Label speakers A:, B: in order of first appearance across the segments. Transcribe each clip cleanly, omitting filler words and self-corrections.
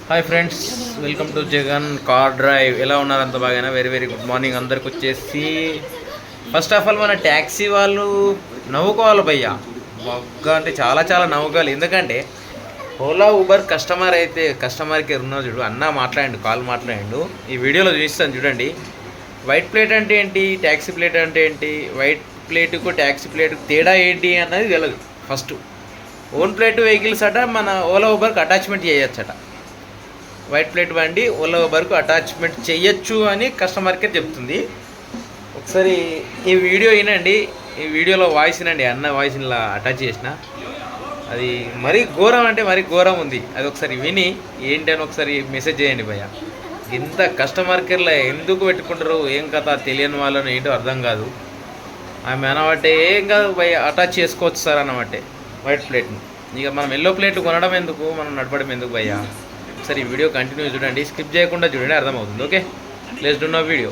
A: Hi friends, welcome to Jagan car drive. ఎలా ఉన్నారు? అంత బాగా? వెరీ వెరీ గుడ్ మార్నింగ్ అందరికి వచ్చేసి. ఫస్ట్ ఆఫ్ ఆల్ మన ట్యాక్సీ వాళ్ళు నవ్వుకోవాలి భయ్యా. బాగా అంటే చాలా చాలా నవ్వుకోవాలి. ఎందుకంటే ఓలా ఊబర్ కస్టమర్ కేర్ ఉన్నా చూడు, అన్న మాట్లాడండి, కాల్ మాట్లాడండు. ఈ వీడియోలో చూపిస్తాను చూడండి. వైట్ ప్లేట్ అంటే ఏంటి, ట్యాక్సీ ప్లేట్ అంటే ఏంటి, వైట్ ప్లేటుకు ట్యాక్సీ ప్లేటుకు తేడా ఏంటి అన్నది తెలియదు. ఫస్ట్ ఓన్ ప్లేట్ వెహికల్స్ అట మన ఓలా ఊబర్కి అటాచ్మెంట్ చేయొచ్చట. వైట్ ప్లేట్ బండి ఓలా ఊబర్కు అటాచ్మెంట్ చేయొచ్చు అని కస్టమర్ కేర్ చెప్తుంది. ఒకసారి ఈ వీడియో వినండి. ఈ వీడియోలో వాయిస్ వినండి. అన్న వాయిస్ ఇలా అటాచ్ చేసిన, అది మరీ ఘోరం అంటే మరీ ఘోరం ఉంది. అది ఒకసారి విని ఏంటి అని ఒకసారి మెసేజ్ చేయండి భయ్య. ఇంత కస్టమర్ కేర్లో ఎందుకు పెట్టుకుంటారు, ఏం కథ తెలియని వాళ్ళని ఏంటో అర్థం కాదు. ఆమె అనబట్టే ఏం కాదు భయ్య, అటాచ్ చేసుకోవచ్చు సార్ అనబట్టే వైట్ ప్లేట్ని. ఇక మనం ఎల్లో ప్లేట్ కొనడం ఎందుకు, మనం నడపడం ఎందుకు భయ్య? ఒకసారి ఈ వీడియో కంటిన్యూ చూడండి, స్కిప్ చేయకుండా చూడండి, అర్థమవుతుంది. Okay, let's do no video.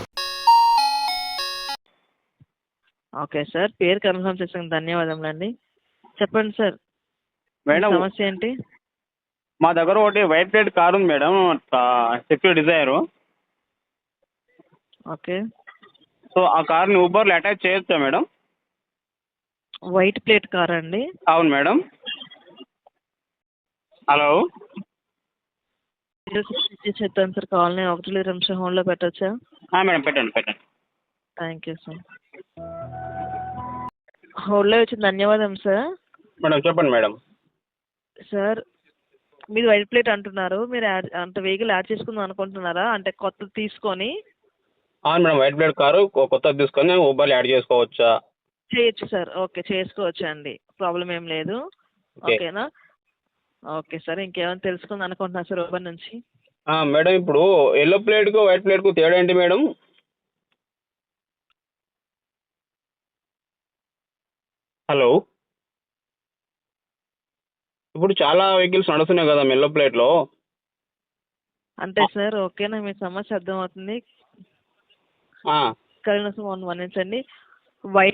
B: Okay sir, పేరు కన్ఫర్మ్ చేసినందుకు ధన్యవాదములండి. చెప్పండి సార్,
C: మేడం,
B: సమస్య ఏంటి?
C: మా దగ్గర ఒకటి వైట్ ప్లేట్ కార్ ఉంది madam, secure Dzire.
B: Okay,
C: so ఆ కార్ని ఊబర్లో అటాచ్ చేయొచ్చా మేడం?
B: వైట్ ప్లేట్ కార్ అండి?
C: అవును మేడం. హలో.
B: చెప్తాను సార్, కాలనీ 1-2 హోల్డ్లో పెట్టచ్చా?
C: మేడం పెట్టండి పెట్టండి.
B: Thank you sir. హోల్డ్లో వచ్చిన ధన్యవాదం సార్.
C: మేడం చెప్పండి మేడం.
B: సార్, మీరు వైట్ ప్లేట్ అంటున్నారు, మీరు అంటే వెహికల్ యాడ్ చేసుకుందాం అనుకుంటున్నారా? అంటే కొత్తది తీసుకొని.
C: అవును మేడం, వైట్ ప్లేట్ కారు కొత్తది తీసుకొని ఊబర్లో యాడ్ చేసుకోవచ్చా?
B: చేయొచ్చు సార్, ఓకే చేసుకోవచ్చు అండి, ప్రాబ్లం ఏం లేదు.
C: ఓకే.
B: ఓకేనా? ఓకే సార్, ఇంకేమైనా తెలుసుకుందాం అనుకుంటున్నా సార్ ఊబర్ నుంచి?
C: మేడం, ఇప్పుడు ఎల్లో ప్లేట్కు వైట్ ప్లేట్కు తేడా ఏంటి మేడం? హలో. ఇప్పుడు చాలా వెహికల్స్ నడుస్తున్నాయి కదా ఎల్లో ప్లేట్లో.
B: అంటే సార్, ఓకేనా, మీ సమస్య అర్థమవుతుంది. కనీసం గమనించండి. వైట్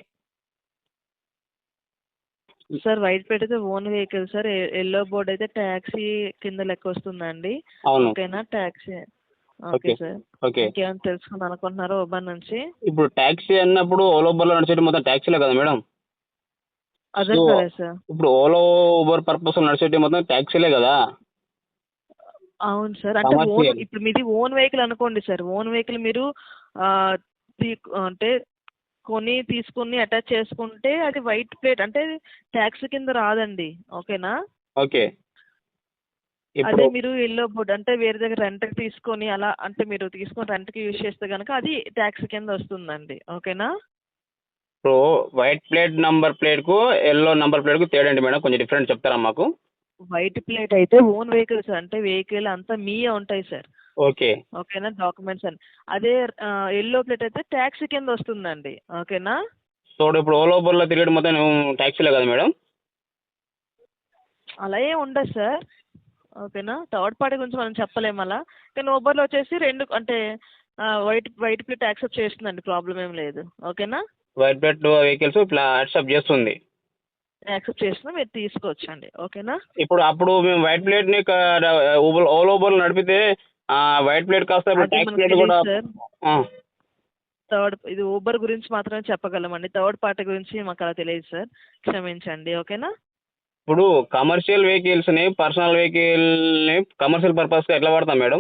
B: సార్, వైట్ ప్లేట్ అయితే own vehicle sir. Yellow board అయితే ట్యాక్సీ కింద లెక్క వస్తుందండి.
C: అవును.
B: ఓకేనా? Taxi. Okay
C: okay.
B: Sir,
C: okay.
B: ఇంకేమైనా తెలుసుకుందాం అనుకుంటున్నారా ఊబర్ నుంచి?
C: ఇప్పుడు ట్యాక్సీ అన్నప్పుడు ఓలా ఊబర్లో నడిచేది మొత్తం ట్యాక్సీలే కదా మేడం?
B: అర్థం
C: సో
B: కాలేదు సార్.
C: ఇప్పుడు ఓలా ఊబర్ పర్పస్ నడిచేటి మొత్తం ట్యాక్సీలే కదా?
B: అవును సార్, అంటే
C: కమర్షియల్.
B: ఇప్పుడు మీది ఓన్ వెహికల్ అనుకోండి సార్. ఓన్ వెహికల్ మీరు ఆ, అంటే తీసుకుని అటాచ్ చేసుకుంటే అది వైట్ ప్లేట్ అంటే ట్యాక్సీ కింద రాదండి. ఓకేనా?
C: ఓకే. ఇప్పుడు
B: అదే మీరు ఎల్లో బోర్డ్ అంటే వేరే దగ్గర రెంట్కి తీసుకొని అలా అంటే మీరు తీసుకొని రెంట్కి యూజ్ చేస్తే కనుక అది ట్యాక్సీ కింద వస్తుందండి. ఓకేనా?
C: ఇప్పుడు వైట్ ప్లేట్ నంబర్ ప్లేట్కు ఎల్లో నంబర్ ప్లేట్కు తేడా ఏంటి మేడం? కొంచెం డిఫరెంట్ చెప్తారా మాకు?
B: వైట్ ప్లేట్ అయితే ఓన్ వెహికల్స్, అంటే వెహికల్ అంతా మీయే ఉంటాయి సార్.
C: ఓకే.
B: ఓకేనా? డాక్యుమెంట్స్ అని. అదే ఎల్లో ప్లేట్ అయితే ట్యాక్సీ కింద వస్తుందండి. ఓకేనా?
C: సో ఇప్పుడు ఓలా ఊబర్లో తిరిగేది మొత్తం ట్యాక్సీలే కదా మేడం?
B: అలా ఏం ఉండదు సార్. ఓకేనా? థర్డ్ పార్టీ గురించి మనం చెప్పలేము అలా. కానీ ఊబర్లో వచ్చేసి రెండు అంటే వైట్ ప్లేట్ యాక్సెప్ట్ చేస్తుందండి, ప్రాబ్లం ఏం లేదు. ఓకేనా?
C: వైట్ ప్లేట్ వెహికల్స్ ఇట్లా యాక్సెప్ట్ చేస్తుంది.
B: యాక్సెప్ట్ చేస్తున్నా, మీరు తీసుకోవచ్చండి. ఓకేనా?
C: అప్పుడు మేము వైట్ ప్లేట్ని ఓలా ఊబర్లో నడిపితే వైట్ ప్లేట్ కాస్త ఇప్పుడు
B: అది
C: ట్యాక్సీ
B: మనకు
C: ప్లేట్ కూడా.
B: తెలియదు సార్. ఇది ఊబర్ గురించి మాత్రమే చెప్పగలమండి, థర్డ్ పార్టీ గురించి మాకు అలా తెలియదు సార్, క్షమించండి. ఓకేనా?
C: ఇప్పుడు కమర్షియల్ వెహికల్స్ని పర్సనల్ వెహికల్ని కమర్షియల్ పర్పస్గా ఎట్లా వాడతాం మేడం?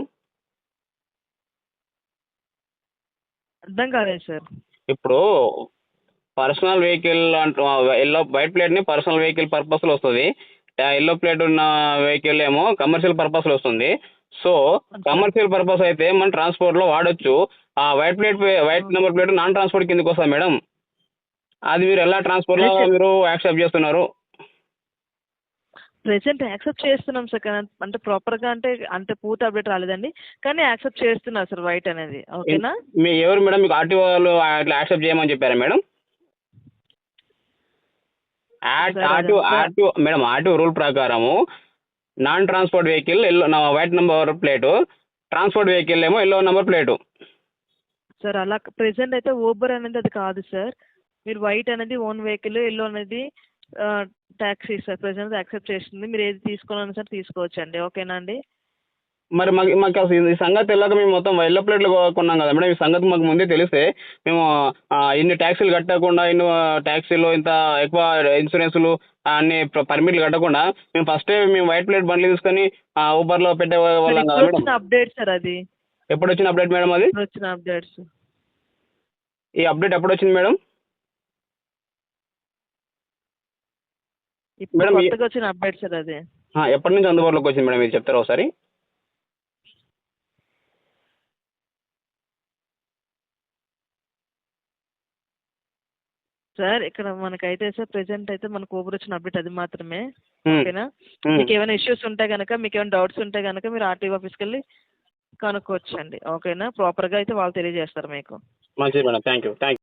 B: అర్థం కాలేదు సార్.
C: ఇప్పుడు పర్సనల్ వెహికల్ అంటూ ఎల్లో వైట్ ప్లేట్ని పర్సనల్ వెహికల్ పర్పస్లో వస్తుంది. ఎల్లో ప్లేట్ ఉన్న వెహికల్ ఏమో కమర్షియల్ పర్పస్లో వస్తుంది. సో కమర్షియల్ పర్పస్ అయితే మనం ట్రాన్స్పోర్ట్లో వాడచ్చు. White number plate non transport కిందకి వస్తుంది మేడం. అది మీరు ఎలా ట్రాన్స్పోర్ట్లో మీరు యాక్సెప్ట్ చేస్తున్నారు?
B: ప్రెసెంట్ యాక్సెప్ట్ చేస్తున్నాం సార్, అంటే ప్రాపర్గా అంటే అంత పూర్తి అప్డేట్ రాలేదండి, కానీ యాక్సెప్ట్ చేస్తున్నారు సార్ వైట్ అనేది. ఓకేనా?
C: మీ ఎవరు మేడం మీకు ఆర్టీఓ వాళ్ళు అట్లా యాక్సెప్ట్ చేయమని చెప్పారా మేడం? మేడం, ఆర్టీఓ రూల్ ప్రకారము non transport vehicle yellow white number plate, transport vehicle ఏమో ఎల్లో నెంబర్ ప్లేటు.
B: సార్ అలా ప్రెసెంట్ అయితే ఊబర్ అనేది అది కాదు సార్. మీరు వైట్ అనేది ఓన్ వెహికల్, ఎల్లో అనేది ట్యాక్సీ సార్. ప్రెసెంట్ యాక్సెప్ట్ చేస్తుంది, మీరు ఏది తీసుకోవాలన్నా సార్ తీసుకోవచ్చండి. ఓకేనా అండి?
C: మరి మాకు అసలు ఈ సంగతి తెలియక మేము మొత్తం ఎల్లో ప్లేట్లు కొన్నాం కదా మేడం. ఈ సంగతి మాకు ముందే తెలిస్తే మేము ఇన్ని ట్యాక్సీలు కట్టకుండా ట్యాక్సీలు ఇంత ఎక్కువ ఇన్సూరెన్సులు అన్ని పర్మిట్లు కట్టకుండా మేము ఫస్టే మేము వైట్ ప్లేట్ బండ్లు తీసుకొని ఊబర్లో పెట్టే వాళ్ళం కదా మేడం.
B: వచ్చిన అప్డేట్ సార్ అది.
C: ఎప్పుడు వచ్చిన అప్డేట్ మేడం అది?
B: వచ్చిన అప్డేట్స్.
C: ఈ అప్డేట్ ఎప్పుడు వచ్చింది మేడం?
B: ఇప్పుడు
C: మేడం
B: కొత్తగా వచ్చిన అప్డేట్ సార్ అది.
C: ఎప్పటి నుంచి అందుబాటులోకి వచ్చింది మేడం, ఇది చెప్తారా ఒకసారి?
B: సార్ ఇక్కడ మనకైతే సార్ ప్రెసెంట్ అయితే మనకు ఊబర్ వచ్చిన అప్డేట్ అది మాత్రమే. ఓకేనా? మీకు ఏమైనా ఇష్యూస్ ఉంటే కనుక, మీకు ఏమైనా డౌట్స్ ఉంటే కనుక మీరు ఆర్టీఓ ఆఫీస్కి వెళ్ళి కనుక్కోవచ్చండి. ఓకేనా? ప్రాపర్గా అయితే వాళ్ళు తెలియజేస్తారు మీకు.
C: మంచిది మేడం. Thank you.